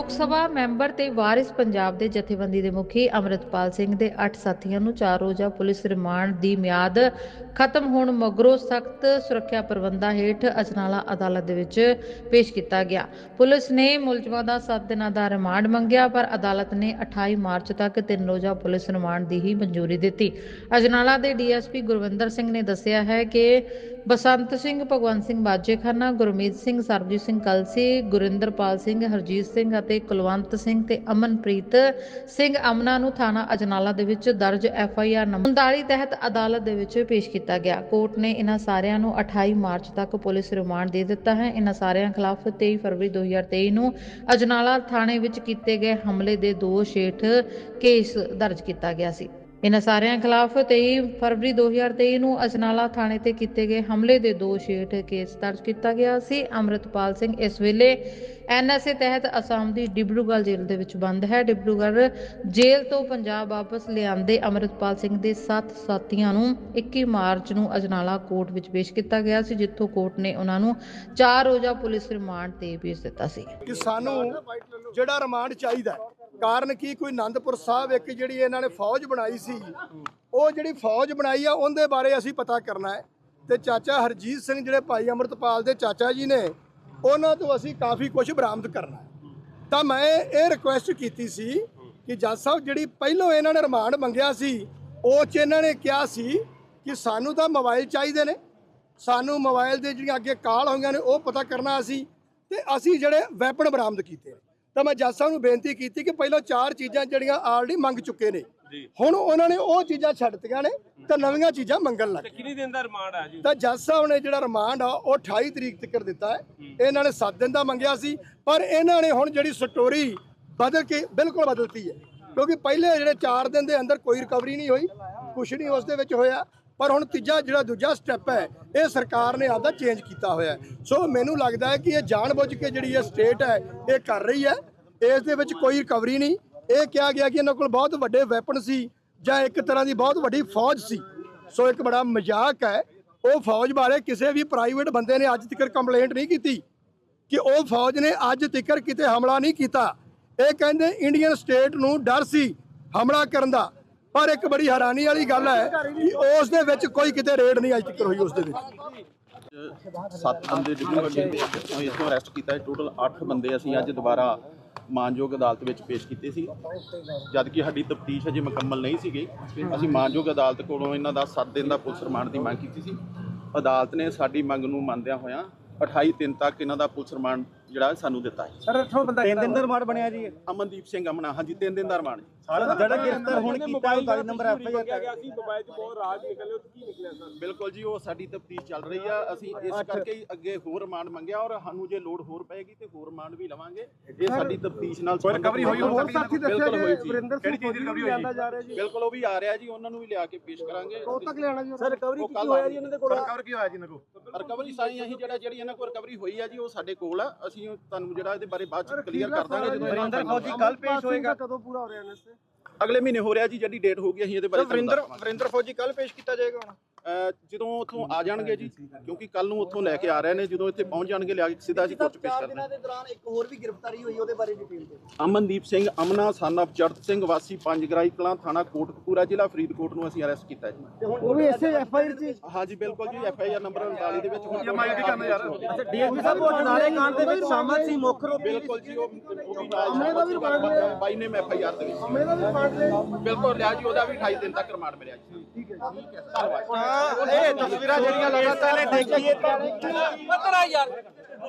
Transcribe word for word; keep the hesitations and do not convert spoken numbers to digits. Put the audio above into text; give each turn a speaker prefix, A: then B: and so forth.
A: ਲੋਕ ਸਭਾ ਮੈਂਬਰ ਤੇ ਵਾਰਿਸ ਪੰਜਾਬ ਦੇ ਜਥੇਬੰਦੀ ਦੇ ਮੁਖੀ ਅੰਮ੍ਰਿਤਪਾਲ ਸਿੰਘ ਦੇ ਅੱਠ ਸਾਥੀਆਂ ਨੂੰ ਚਾਰ ਰੋਜ਼ਾ ਪੁਲਿਸ ਰਿਮਾਂਡ ਦੀ ਮਿਆਦ ਖਤਮ ਹੋਣ ਮਗਰੋਂ ਸਖਤ ਸੁਰੱਖਿਆ ਪ੍ਰਬੰਧਾਂ ਹੇਠ ਅਜਨਾਲਾ ਅਦਾਲਤ ਦੇ ਵਿੱਚ ਪੇਸ਼ ਕੀਤਾ ਗਿਆ। ਪੁਲਿਸ ਨੇ ਮੁਲਜ਼ਮਾਂ ਦਾ ਸੱਤ ਦਿਨਾਂ ਦਾ ਰਿਮਾਂਡ ਮੰਗਿਆ, ਪਰ ਅਦਾਲਤ ਨੇ ਅਠਾਈ ਮਾਰਚ ਤੱਕ ਤਿੰਨ ਰੋਜ਼ਾ ਪੁਲਿਸ ਰਿਮਾਂਡ ਦੀ ਹੀ ਮਨਜ਼ੂਰੀ ਦਿੱਤੀ। ਅਜਨਾਲਾ ਦੇ D S P Gurvinder Singh ਨੇ ਦੱਸਿਆ ਹੈ ਕਿ ਬਸੰਤ ਸਿੰਘ, ਭਗਵੰਤ ਸਿੰਘ ਬਾਜੇਖਾਨਾ, ਗੁਰਮੀਤ ਸਿੰਘ, ਸਰਬਜੀਤ ਸਿੰਘ ਕਲਸੀ, ਗੁਰਿੰਦਰਪਾਲ ਸਿੰਘ, ਹਰਜੀਤ ਸਿੰਘ ਅਤੇ ਕੁਲਵੰਤ ਸਿੰਘ ਤੇ ਅਮਨਪ੍ਰੀਤ ਸਿੰਘ ਅਮਨਾ ਨੂੰ ਥਾਣਾ ਅਜਨਾਲਾ ਦੇ ਵਿੱਚ ਦਰਜ ਐਫ ਆਈ ਆਰ ਨੰਬਰ ਉਨਤਾਲੀ ਤਹਿਤ ਅਦਾਲਤ ਦੇ ਵਿੱਚ ਪੇਸ਼ ਕੀਤਾ ਗਿਆ। ਕੋਰਟ ਨੇ ਇਹਨਾਂ ਸਾਰਿਆਂ ਨੂੰ ਅਠਾਈ ਮਾਰਚ ਤੱਕ ਪੁਲਿਸ ਰਿਮਾਂਡ ਦੇ ਦਿੱਤਾ ਹੈ। ਇਹਨਾਂ ਸਾਰਿਆਂ ਖਿਲਾਫ ਤੇਈ ਫਰਵਰੀ ਦੋ ਹਜ਼ਾਰ ਤੇਈ ਨੂੰ ਅਜਨਾਲਾ ਥਾਣੇ ਵਿੱਚ ਕੀਤੇ ਗਏ ਹਮਲੇ ਦੇ ਦੋਸ਼ ਹੇਠ ਕੇਸ ਦਰਜ ਕੀਤਾ ਗਿਆ ਸੀ। ਇਹਨਾਂ ਸਾਰਿਆਂ ਖਿਲਾਫ ਤੇਈ ਫਰਵਰੀ ਦੋ ਹਜ਼ਾਰ ਤੇਈ ਨੂੰ ਅਜਨਾਲਾ ਥਾਣੇ ਤੇ ਕੀਤੇ ਗਏ ਹਮਲੇ ਦੇ ਦੋਸ਼ ਹੇਠ ਕੇਸ ਦਰਜ ਕੀਤਾ ਗਿਆ ਸੀ। ਅੰਮ੍ਰਿਤਪਾਲ ਸਿੰਘ ਇਸ ਵੇਲੇ ਐਨ ਐਸ ਏ ਤਹਿਤ ਅਸਾਮ ਦੀ ਡਿਬਰੂਗੜ੍ਹ ਜੇਲ੍ਹ ਦੇ ਵਿੱਚ ਬੰਦ ਹੈ। ਡਿਬਰੂਗੜ੍ਹ ਜੇਲ੍ਹ ਤੋਂ ਪੰਜਾਬ ਵਾਪਸ ਲਿਆਂਦੇ ਅੰਮ੍ਰਿਤਪਾਲ ਸਿੰਘ ਦੇ ਸੱਤ ਸਾਥੀਆਂ ਨੂੰ ਇੱਕੀ ਮਾਰਚ ਨੂੰ ਅਜਨਾਲਾ ਕੋਰਟ ਵਿੱਚ ਪੇਸ਼ ਕੀਤਾ ਗਿਆ ਸੀ, ਜਿੱਥੋਂ ਕੋਰਟ ਨੇ ਉਹਨਾਂ ਨੂੰ ਚਾਰ ਰੋਜ਼ਾ ਪੁਲਿਸ ਰਿਮਾਂਡ ਤੇ ਭੇਜ ਦਿੱਤਾ ਸੀ।
B: ਕਿ ਸਾਨੂੰ ਜਿਹੜਾ ਰਿਮਾਂਡ ਚਾਹੀਦਾ, ਕਾਰਨ ਕੀ, ਕੋਈ ਆਨੰਦਪੁਰ ਸਾਹਿਬ ਇੱਕ ਜਿਹੜੀ ਇਹਨਾਂ ਨੇ ਫੌਜ ਬਣਾਈ ਸੀ, ਉਹ ਜਿਹੜੀ ਫੌਜ ਬਣਾਈ ਆ ਉਹਦੇ ਬਾਰੇ ਅਸੀਂ ਪਤਾ ਕਰਨਾ ਹੈ। ਤੇ ਚਾਚਾ ਹਰਜੀਤ ਸਿੰਘ ਜਿਹੜੇ ਭਾਈ ਅੰਮ੍ਰਿਤਪਾਲ ਦੇ ਚਾਚਾ ਜੀ ਨੇ, ਉਹਨਾਂ ਤੋਂ ਅਸੀਂ ਕਾਫੀ ਕੁਝ ਬਰਾਮਦ ਕਰਨਾ ਹੈ। ਤਾਂ ਮੈਂ ਇਹ ਰਿਕੁਐਸਟ ਕੀਤੀ ਸੀ ਕਿ ਜੱਜ ਸਾਹਿਬ, ਜਿਹੜੀ ਪਹਿਲੋਂ ਇਹਨਾਂ ਨੇ ਰਿਮਾਂਡ ਮੰਗਿਆ ਸੀ, ਉਹ 'ਚ ਇਹਨਾਂ ਨੇ ਕਿਹਾ ਸੀ ਕਿ ਸਾਨੂੰ ਤਾਂ ਮੋਬਾਈਲ ਚਾਹੀਦੇ ਨੇ, ਸਾਨੂੰ ਮੋਬਾਈਲ ਦੇ ਜਿਹੜੀਆਂ ਅੱਗੇ ਕਾਲ ਹੋਈਆਂ ਨੇ ਉਹ ਪਤਾ ਕਰਨਾ ਅਸੀਂ, ਤੇ ਅਸੀਂ ਜਿਹੜੇ ਵੈਪਨ ਬਰਾਮਦ ਕੀਤੇ। ਤਾਂ ਮੈਂ ਜੱਜ ਸਾਹਿਬ ਨੂੰ ਬੇਨਤੀ ਕੀਤੀ ਕਿ ਪਹਿਲਾਂ ਚਾਰ ਚੀਜ਼ਾਂ ਜਿਹੜੀਆਂ ਆਲਰੇਡੀ ਮੰਗ ਚੁੱਕੇ ਨੇ, ਹੁਣ ਉਹਨਾਂ ਨੇ ਉਹ ਚੀਜ਼ਾਂ ਛੱਡਤੀਆਂ ਨੇ ਤਾਂ ਨਵੀਆਂ ਚੀਜ਼ਾਂ ਮੰਗਣ ਲੱਗ ਗਏ।
C: ਕਿੰਨੀ ਦਿਨ ਦਾ ਰਿਮਾਂਡ ਆ ਜੀ? ਤਾਂ
B: ਜੱਜ ਸਾਹਿਬ ਨੇ ਜਿਹੜਾ ਰਿਮਾਂਡ ਆ ਉਹ ਅਠਾਈ ਤਰੀਕ ਤੱਕ ਦਿੱਤਾ ਹੈ। ਇਹਨਾਂ ਨੇ ਸੱਤ ਦਿਨ ਦਾ ਮੰਗਿਆ ਸੀ, ਪਰ ਇਹਨਾਂ ਨੇ ਹੁਣ ਜਿਹੜੀ ਸਟੋਰੀ ਬਦਲ ਕੇ ਬਿਲਕੁਲ ਬਦਲਤੀ ਹੈ, ਕਿਉਂਕਿ ਪਹਿਲੇ ਜਿਹੜੇ ਚਾਰ ਦਿਨ ਦੇ ਅੰਦਰ ਕੋਈ ਰਿਕਵਰੀ ਨਹੀਂ ਹੋਈ, ਕੁਛ ਨਹੀਂ ਉਸ ਦੇ ਵਿੱਚ ਹੋਇਆ। ਪਰ ਹੁਣ ਤੀਜਾ ਜਿਹੜਾ ਦੂਜਾ ਸਟੈਪ ਹੈ, ਇਹ ਸਰਕਾਰ ਨੇ ਆਪਦਾ ਚੇਂਜ ਕੀਤਾ ਹੋਇਆ। ਸੋ ਮੈਨੂੰ ਲੱਗਦਾ ਹੈ ਕਿ ਇਹ ਜਾਣਬੁੱਝ ਕੇ ਜਿਹੜੀ ਇਹ ਸਟੇਟ ਹੈ ਇਹ ਕਰ ਰਹੀ ਹੈ। ਇਸ ਦੇ ਵਿੱਚ ਕੋਈ ਰਿਕਵਰੀ ਨਹੀਂ। ਇਹ ਕਿਹਾ ਗਿਆ ਕਿ ਇਹਨਾਂ ਕੋਲ ਬਹੁਤ ਵੱਡੇ ਵੈਪਨ ਸੀ ਜਾਂ ਇੱਕ ਤਰ੍ਹਾਂ ਦੀ ਬਹੁਤ ਵੱਡੀ ਫੌਜ ਸੀ। ਸੋ ਇੱਕ ਬੜਾ ਮਜ਼ਾਕ ਹੈ। ਉਹ ਫੌਜ ਬਾਰੇ ਕਿਸੇ ਵੀ ਪ੍ਰਾਈਵੇਟ ਬੰਦੇ ਨੇ ਅੱਜ ਤੱਕ ਕੰਪਲੇਂਟ ਨਹੀਂ ਕੀਤੀ ਕਿ ਉਹ ਫੌਜ ਨੇ ਅੱਜ ਤੱਕ ਕਿਤੇ ਹਮਲਾ ਨਹੀਂ ਕੀਤਾ। ਇਹ ਕਹਿੰਦੇ ਇੰਡੀਅਨ ਸਟੇਟ ਨੂੰ ਡਰ ਸੀ ਹਮਲਾ ਕਰਨ ਦਾ, ਪਰ ਇੱਕ ਬੜੀ ਹੈਰਾਨੀ ਵਾਲੀ ਗੱਲ ਹੈ ਕਿ ਉਸ ਦੇ ਵਿੱਚ ਕੋਈ ਕਿਤੇ ਰੇਡ ਨਹੀਂ ਅੱਜ ਤੱਕ ਹੋਈ। ਉਸ ਦੇ ਵਿੱਚ
D: ਸੱਤ ਬੰਦੇ ਡਿਬਰੂਗੜ੍ਹ ਦੇ ਵਿੱਚੋਂ ਇੱਥੋਂ ਅਰੈਸਟ ਕੀਤਾ। ਟੋਟਲ ਅੱਠ ਬੰਦੇ ਅਸੀਂ ਅੱਜ ਦੁਬਾਰਾ ਮਾਨਯੋਗ ਅਦਾਲਤ ਵਿੱਚ ਪੇਸ਼ ਕੀਤੇ ਸੀ, ਜਦ ਕਿ ਸਾਡੀ ਤਫਤੀਸ਼ ਅਜੇ ਮੁਕੰਮਲ ਨਹੀਂ ਸੀ ਗਈ। ਅਸੀਂ ਮਾਨਯੋਗ ਅਦਾਲਤ ਕੋਲੋਂ ਇਹਨਾਂ ਦਾ ਸੱਤ ਦਿਨ ਦਾ ਪੁਲਿਸ ਰਿਮਾਂਡ ਦੀ ਮੰਗ ਕੀਤੀ ਸੀ। ਅਦਾਲਤ ਨੇ ਸਾਡੀ ਮੰਗ ਨੂੰ ਮੰਨਦਿਆਂ ਹੋਇਆਂ ਅਠਾਈ ਦਿਨ ਤੱਕ ਇਹਨਾਂ ਦਾ ਪੁਲਿਸ ਰਿਮਾਂਡ ਜਿਹੜਾ ਸਾਨੂੰ ਦਿੱਤਾ ਹੈ।
C: ਸਰ ਅੱਠੋਂ ਬੰਦਾ ਤਿੰਨ ਦਿਨ ਦਾ ਰਿਮਾਂਡ ਬਣਿਆ ਜੀ।
D: ਅਮਨਦੀਪ ਸਿੰਘ ਅਮਨਾ, ਹਾਂਜੀ ਤਿੰਨ ਦਿਨ ਦਾ ਰਿਮਾਂਡ।
C: ਜਿਹੜਾ ਗ੍ਰਿਫਤਾਰ ਹੁਣ ਕੀਤਾ ਉਨਤਾਲੀ ਨੰਬਰ ਐਫ ਆਈ ਆਰ ਗਿਆ ਸੀ, ਮੋਬਾਈਲ 'ਚ ਬਹੁਤ ਰਾਜ ਨਿਕਲੇ, ਉਹ ਕੀ ਨਿਕਲਿਆ ਸਰ?
D: ਬਿਲਕੁਲ ਜੀ, ਉਹ ਸਾਡੀ ਤਫਤੀਸ਼ ਚੱਲ ਰਹੀ ਆ। ਅਸੀਂ ਇਸ ਕਰਕੇ ਹੀ ਅੱਗੇ ਹੋਰ ਰਿਮਾਂਡ ਮੰਗਿਆ, ਔਰ ਸਾਨੂੰ ਜੇ ਲੋੜ ਹੋਰ ਪਏਗੀ ਤੇ ਹੋਰ ਰਿਮਾਂਡ ਵੀ ਲਵਾਂਗੇ। ਇਹ ਸਾਡੀ ਤਫਤੀਸ਼ ਨਾਲ
C: ਰਿਕਵਰੀ ਹੋਈ ਹੋਰ ਸਾਥੀ ਦੱਸਿਆ ਜੀ, ਵਰਿੰਦਰ ਸਿੰਘ
D: ਕਿਹੜੀ ਚੀਜ਼ ਦੀ ਰਿਕਵਰੀ ਹੋਈ ਜਾ ਰਿਹਾ ਜੀ? ਬਿਲਕੁਲ ਉਹ ਵੀ ਆ ਰਿਹਾ ਜੀ, ਉਹਨਾਂ ਨੂੰ ਵੀ ਲਿਆ ਕੇ ਪੇਸ਼ ਕਰਾਂਗੇ।
C: ਕਦੋਂ ਤੱਕ ਲਿਆਣਾ ਜੀ? ਸਰ ਰਿਕਵਰੀ ਕੀ ਹੋਇਆ ਜੀ ਇਹਨਾਂ ਦੇ ਕੋਲ?
D: ਰਿਕਵਰ ਕੀ ਹੋਇਆ ਜੀ ਇਹਨਾਂ ਕੋਲ? ਰਿਕਵਰੀ ਸਾਰੀ ਅਸੀਂ ਜਿਹੜਾ ਜਿਹੜੀ ਇਹਨਾਂ ਕੋਲ ਰਿਕਵਰੀ ਹੋਈ ਆ ਜੀ, ਉਹ ਸਾਡੇ ਕੋਲ ਆ। ਅਸੀਂ ਤੁਹਾਨੂੰ ਜਿਹੜਾ ਇਹਦੇ ਬਾਰੇ ਬਾਅਦ ਚ ਕਲੀਅਰ ਕਰ ਦਾਂਗੇ। ਜਦੋਂ
C: ਵਰਿੰਦਰ ਫੌਜੀ ਕੱਲ ਪੇਸ਼ ਹੋਏਗਾ, ਕਦੋਂ ਪੂਰਾ ਹੋ ਰਿਹਾ ਇਹਨਾਂ ਤੇ?
D: ਅਗਲੇ ਮਹੀਨੇ ਹੋ ਰਿਹਾ ਜੀ, ਜਿਹੜੀ ਡੇਟ ਹੋਊਗੀ ਅਸੀਂ ਇਹਦੇ ਬਾਰੇ।
B: ਵਰਿੰਦਰ ਵਰਿੰਦਰ ਫੌਜੀ ਕੱਲ ਪੇਸ਼ ਕੀਤਾ ਜਾਏਗਾ ਹੁਣ
D: ਜਦੋਂ ਉੱਥੋਂ ਆ ਜਾਣਗੇ ਜੀ, ਕਿਉਂਕਿ ਕੱਲ ਨੂੰ ਉੱਥੋਂ ਲੈ ਕੇ ਆ ਰਹੇ ਨੇ। ਜਦੋਂ ਇੱਥੇ ਪਹੁੰਚ ਜਾਣਗੇ ਲਿਆ ਕੇ ਸਿੱਧਾ ਅਸੀਂ ਕੋਰਟ ਪੇਸ਼ ਕਰਨਾ।
E: ਦੇ ਦੌਰਾਨ ਇੱਕ ਹੋਰ ਵੀ ਗ੍ਰਿਫਤਾਰੀ ਹੋਈ, ਉਹਦੇ ਬਾਰੇ ਡਿਟੇਲ ਦਿਓ।
D: ਅਮਨਦੀਪ ਸਿੰਘ ਅਮਨਾ ਸਨ ਆਫ ਚੜਤ ਸਿੰਘ ਵਾਸੀ ਪੰਜ ਗਰਾਈ ਕਲਾਂ, ਥਾਣਾ ਕੋਟਕਪੂਰਾ, ਜ਼ਿਲ੍ਹਾ ਫਰੀਦਕੋਟ ਨੂੰ ਅਸੀਂ ਅਰੈਸਟ ਕੀਤਾ ਜੀ।
E: ਉਹ ਵੀ ਇਸੇ ਐਫ ਆਈ ਆਰ 'ਚ?
D: ਹਾਂਜੀ ਬਿਲਕੁਲ ਜੀ, ਐਫ ਆਈ ਆਰ ਨੰਬਰ ਉਨਤਾਲੀ ਦੇ ਵਿੱਚ। ਹੁਣ
C: ਅੱਛਾ ਡੀ ਐਸ ਪੀ ਸਾਹਿਬ ਉਹ ਜਨਾਲੇ ਕਾਂਡ ਦੇ ਵਿੱਚ ਸ਼ਾਮਲ ਸੀ ਮੁੱਖ ਰੂਪ?
D: ਬਿਲਕੁਲ ਜੀ, ਉਹ ਨਾਲ ਬਾਈ ਨੇ ਐਫ ਆਈ ਆਰ ਦੇ ਵਿੱਚ ਬਿਲਕੁਲ ਲਿਆ ਜੀ। ਉਹਦਾ ਵੀ ਅਠਾਈ ਦਿਨ ਤੱਕ ਰਿਮਾਂਡ ਮਿਲਿਆ ਜੀ। ਠੀਕ ਹੈ ਜੀ, ਧੰਨਵਾਦ।
C: ਇਹ ਤਸਵੀਰਾਂ ਜਿਹੜੀਆਂ ਲਗਾਤਾਰ ਦੇਖੀਏ, ਪਤਰਾ ਯਾਰ